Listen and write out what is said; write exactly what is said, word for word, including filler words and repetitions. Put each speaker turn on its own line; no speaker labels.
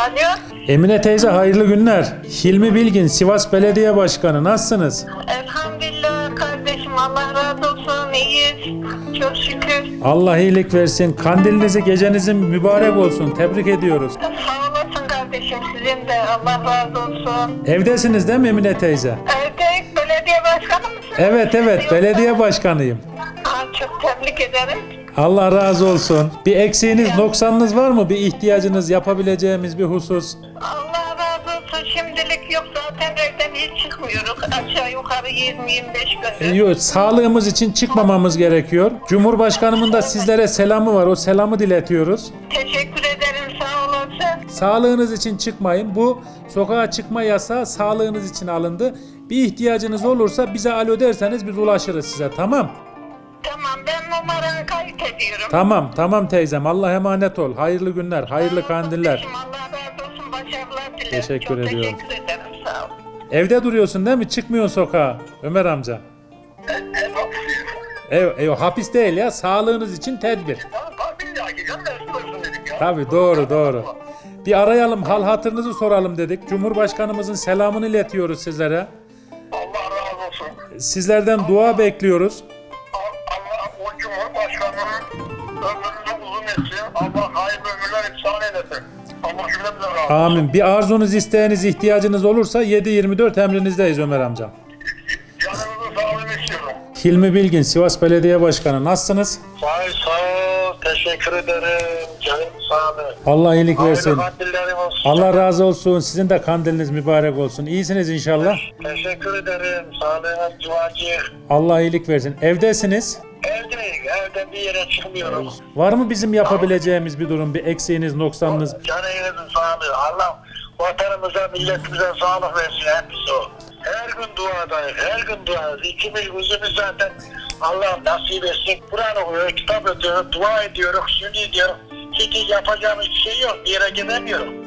Alo.
Emine teyze hayırlı günler. Hilmi Bilgin, Sivas Belediye Başkanı. Nasılsınız?
Elhamdülillah kardeşim, Allah razı olsun, iyiyiz. Çok şükür.
Allah iyilik versin. Kandilinizi, gecenizin mübarek olsun. Tebrik ediyoruz.
Sağ olasın kardeşim, sizin de Allah razı olsun.
Evdesiniz değil mi Emine teyze?
Evde belediye başkanı mısın?
Evet evet, belediye başkanıyım.
Aa, çok tebrik ederim.
Allah razı olsun. Bir eksiğiniz, noksanınız var mı? Bir ihtiyacınız, yapabileceğimiz bir husus?
Allah razı olsun, şimdilik yok, zaten evden hiç çıkmıyoruz. Aşağı yukarı yirmi yirmi beş
E,
gündür.
yok, sağlığımız için çıkmamamız gerekiyor. Cumhurbaşkanımın da sizlere selamı var. O selamı diletiyoruz.
Teşekkür ederim, sağ olasın.
Sağlığınız için çıkmayın. Bu sokağa çıkma yasağı sağlığınız için alındı. Bir ihtiyacınız olursa bize alo derseniz biz ulaşırız size. Tamam?
Tamam, ben numaranı kayıt ediyorum.
Tamam, tamam teyzem. Allah'a emanet ol. Hayırlı günler, hayırlı kandiller.
Kardeşim, Allah razı olsun, başarılar dilerim.
Teşekkür
çok
ediyorum.
Teşekkür ederim, sağ ol.
Evde duruyorsun değil mi? Çıkmıyorsun sokağa Ömer amca. Ev, ev, hapis değil ya. Sağlığınız için tedbir. Tabii doğru doğru. Bir arayalım, hal hatırınızı soralım dedik. Cumhurbaşkanımızın selamını iletiyoruz sizlere.
Allah razı olsun.
Sizlerden dua bekliyoruz.
Allah o Cumhurbaşkanının ömrünü uzun etsin. Allah hayırlı ömürler ihsan eylesin. Allah cümlemizden razı olsun.
Amin. Bir arzunuz, isteğiniz, ihtiyacınız olursa yedi yirmi dört emrinizdeyiz Ömer amca.
Canınızı sağlığını istiyorum.
Hilmi Bilgin, Sivas Belediye Başkanı. Nasılsınız?
Sağ ol, sağ ol. Teşekkür ederim. Canım sağ ol.
Allah iyilik versin.
Hayırlı kandillerim olsun.
Allah razı olsun. Sizin de kandiliniz mübarek olsun. İyisiniz inşallah.
Teşekkür ederim. Sağlığınız duacı.
Allah iyilik versin. Evdesiniz.
Evdeyim. Evden bir yere çıkmıyorum.
Var mı bizim yapabileceğimiz bir durum, bir eksiğiniz, noksanınız?
Canınızın sağlığı. Allah vatanımıza, milletimize sağlık versin. Hepsi o. Her gün duadayız. Her gün duadayız. İkimiz yüzümüz zaten Allah nasip etsin. Kur'an okuyoruz, kitap okuyoruz, dua ediyoruz, şimdi ediyoruz. Çünkü yapacağımız bir şey yok. Bir yere gidemiyorum.